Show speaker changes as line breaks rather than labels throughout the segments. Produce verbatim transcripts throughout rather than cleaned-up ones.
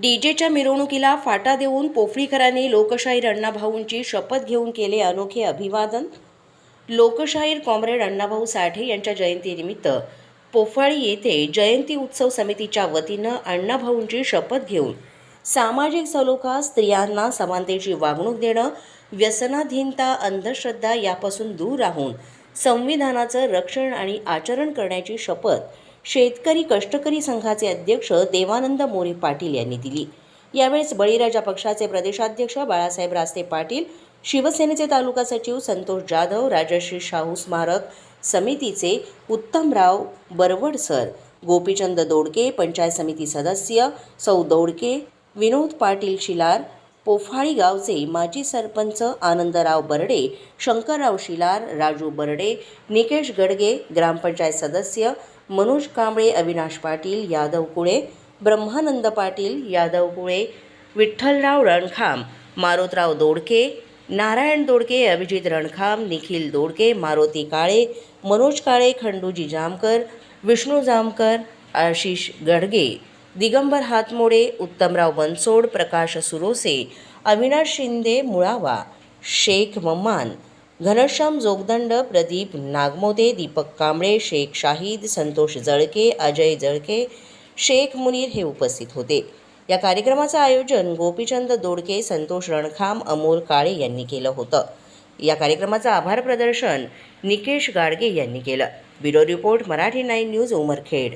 डीजेच्या मिरवणुकीला फाटा देऊन पोफळीकरांनी लोकशाहीर अण्णाभाऊंची शपथ घेऊन केले अनोखे अभिवादन। लोकशाहीर कॉम्रेड अण्णाभाऊ साठे यांच्या जयंतीनिमित्त पोफाळी येथे जयंती उत्सव समितीच्या वतीनं अण्णाभाऊंची शपथ घेऊन सामाजिक सलोखा, स्त्रियांना समानतेची वागणूक देणं, व्यसनाधीनता, अंधश्रद्धा यापासून दूर राहून संविधानाचं रक्षण आणि आचरण करण्याची शपथ शेतकरी कष्टकरी संघाचे अध्यक्ष देवानंद मोरे पाटील यांनी दिली। यावेळेस बळीराजा पक्षाचे प्रदेशाध्यक्ष बाळासाहेब रास्ते पाटील, शिवसेनेचे तालुका सचिव संतोष जाधव, राजश्री शाहू स्मारक समितीचे उत्तमराव बरवडसर, गोपीचंद दोडके, पंचायत समिती सदस्य सौ दोडके, विनोद पाटील शिलार, पोफाळी गावचे माजी सरपंच आनंदराव बर्डे, शंकरराव शिलार, राजू बर्डे, निकेश गडगे, ग्रामपंचायत सदस्य मनोज कांबळे, अविनाश पाटील, यादव कुळे, ब्रह्मानंद पाटील, यादव कुळे, विठ्ठलराव रणखाम, मारोतराव दोडके, नारायण दोडके, अभिजित रणखाम, निखिल दोडके, मारुती काळे, मनोज काळे, खंडूजी जामकर, विष्णू जामकर, आशिष गडगे, दिगंबर हातमोडे, उत्तमराव बनसोड, प्रकाश सुरोसे, अविनाश शिंदे मुळावा, शेख मम्मान, घनश्याम जोगदंड, प्रदीप नागमोदे, दीपक कांबळे, शेख शाहीद, संतोष जळके, अजय जळके, शेख मुनीर हे उपस्थित होते। या कार्यक्रमाचं आयोजन गोपीचंद दोडके, संतोष रणखाम, अमोल काळे यांनी केलं होतं। या कार्यक्रमाचं आभार प्रदर्शन निकेश गाडगे यांनी केलं। Bureau report Marathi nine news Umarkhed.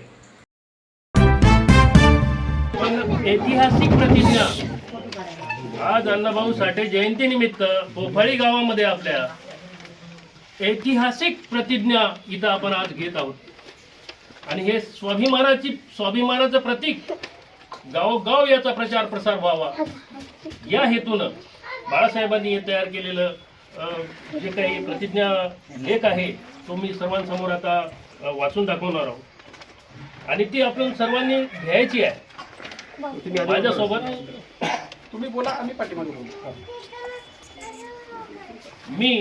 ऐतिहासिक प्रतिज्ञा आज अण्णाभाऊ साठे जयंतीनिमित्त पोफाळी गावामध्ये आपल्या ऐतिहासिक प्रतिज्ञा इथं आपण आज घेत आहोत आणि हे स्वाभिमानाची स्वाभिमानाचं प्रतीक गावोगाव याचा प्रचार प्रसार व्हावा या हेतूनं बाळासाहेबांनी हे तयार केलेलं जे काही प्रतिज्ञा लेख आहे तो मी सर्वांसमोर आता वाचून दाखवणार आहोत आणि ती आपण सर्वांनी घ्यायची आहे। माझ्यासोबत
तुम्ही बोला, आम्ही पाठीमागे बोलू।
मी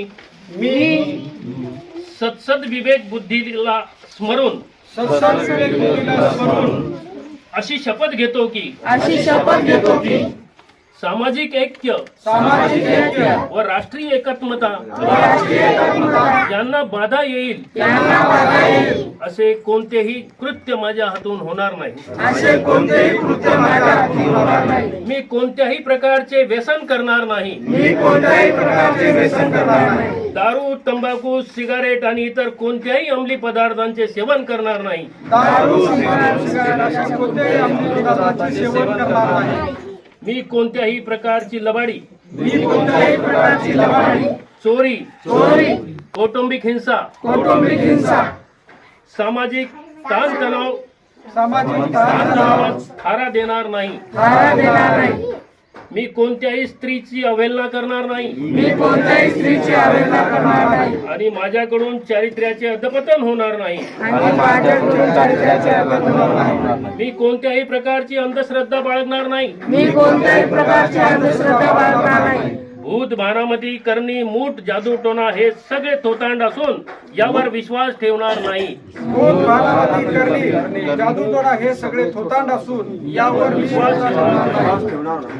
मी
सत्सद विवेक बुद्धीला स्मरून
सत्सद विवेक बुद्धीला स्मरून
अशी शपथ घेतो की
अशी शपथ घेतो की
सामाजिक ऐक्य
सामाजिक ऐक्य
व राष्ट्रीय एकात्मता
राष्ट्रीय एकात्मता
यांना बाधा येईल
यांना बाधा येईल
असे कोणतेही कृत्य माझ्या हातून होणार नाही।
असे कोणतेही कृत्य माझ्या हातून होणार नाही।
मी कोणत्याही प्रकारचे व्यसन करणार नाही।
मी कोणत्याही प्रकारचे व्यसन करणार नाही।
दारू, तंबाखू, सिगारेट आणि इतर कोणत्याही अंमली पदार्थांचे सेवन करणार नाही।
दारू, सिगारेट अशा कोणत्याही अंमली पदार्थांचे सेवन करणार नाही।
मी कोणत्याही प्रकारची लबाडी,
मी कोणत्याही प्रकारची लबाडी,
चोरी,
चोरी,
कौटुंबिक हिंसा,
कौटुंबिक हिंसा,
सामाजिक ताणतणाव
सामाजिक ताणतणावात
थारा देणार नाही।
थारा देणार नाही।
मी कोणत्याही स्त्रीची अवहेलना करणार नाही।
मी कोणत्याही स्त्रीची अवहेलना करणार नाही
आणि माझ्याकडून चारित्र्याचे अधपतन होणार नाही।
आणि माझ्याकडून चारित्र्याचे अधपतन होणार नाही।
मी कोणत्याही प्रकारची अंधश्रद्धा बाळगणार नाही।
मी कोणत्याही प्रकारची अंधश्रद्धा बाळगणार नाही।
भूत, भानामती, करणी, मूठ, जादूटोणा हे सगळे थोतांड असून यावर विश्वास ठेवणार नाही।
भूत, भानामती, करणी, जादूटोणा हे सगळे थोतांड असून यावर विश्वास ठेवणार नाही।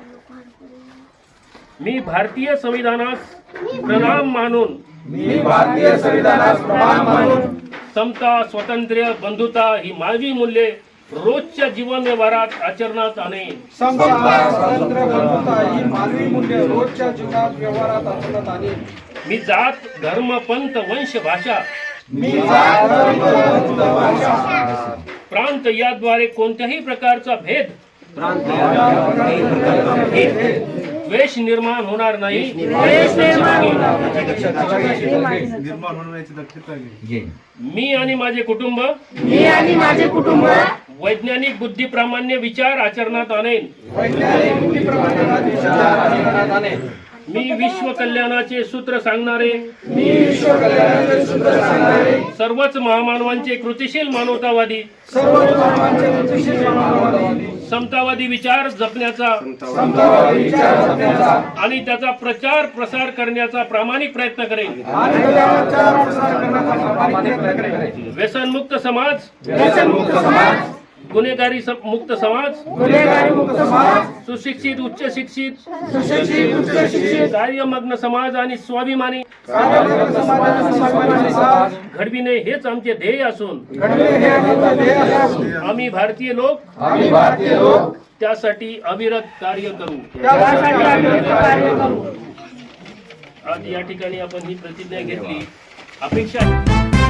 मी भारतीय संविधानास प्रणाम मानून
मी भारतीय संविधानास प्रणाम मानून
समता, स्वातंत्र्य, बंधुता ही मानवी मूल्ये रोजच्या जीवन व्यवहारात आचरणात आणेन।
समता, स्वातंत्र्य, बंधुता ही मानवी मूल्ये रोजच्या जीवनात व्यवहारात आचरणात आणेन।
मी जात, धर्म, पंथ, वंश, भाषा
मी जात, धर्म, पंथ, भाषा,
प्रांत याद्वारे कोणत्याही प्रकारचा भेद द्वेष निर्माण होणार नाही। मी आणि माझे कुटुंब
मी आणि माझे कुटुंब
वैज्ञानिक बुद्धी प्रामाण्य विचार आचरणात आणेन।
वैज्ञानिक बुद्धिप्रमाणात विचार आचरणात आणेन।
मी विश्व कल्याणाचे सूत्र सांगणारे
मी विश्व कल्याणाचे सूत्र सांगणारे
सर्वच महामानवांचे कृतिशील मानवतावादी
सर्व धर्मांचे कृतिशील मानवतावादी
समतावादी विचार जपण्याचा
समतावादी विचार जपण्याचा
आणि त्याचा प्रचार प्रसार करण्याचा प्रामाणिक प्रयत्न करेन।
आणि त्याचा प्रचार प्रसार करण्याचा प्रामाणिक प्रयत्न करेन।
व्यसनमुक्त समाज
व्यसनमुक्त समाज
गुन्हेगारी सम- मुक्त समाज,
गुन्हेगारी मुक्त समाज,
सुशिक्षित उच्च शिक्षित
सुशिक्षित उच्च शिक्षित
कार्यमग्न समाज आणि स्वाभिमानी
कार्यरत समाजाचा स्वाभिमानी समाज
घडविणे हेच आमचे ध्येय असून
घडले हे आमचे ध्येय असून
आम्ही भारतीय लोक
आम्ही भारतीय लोक
त्यासाठी अविरत कार्य करू.
त्यासाठी आम्ही कार्य करू.
आज या ठिकाणी आपण ही प्रतिज्ञा घेतली. अपेक्षा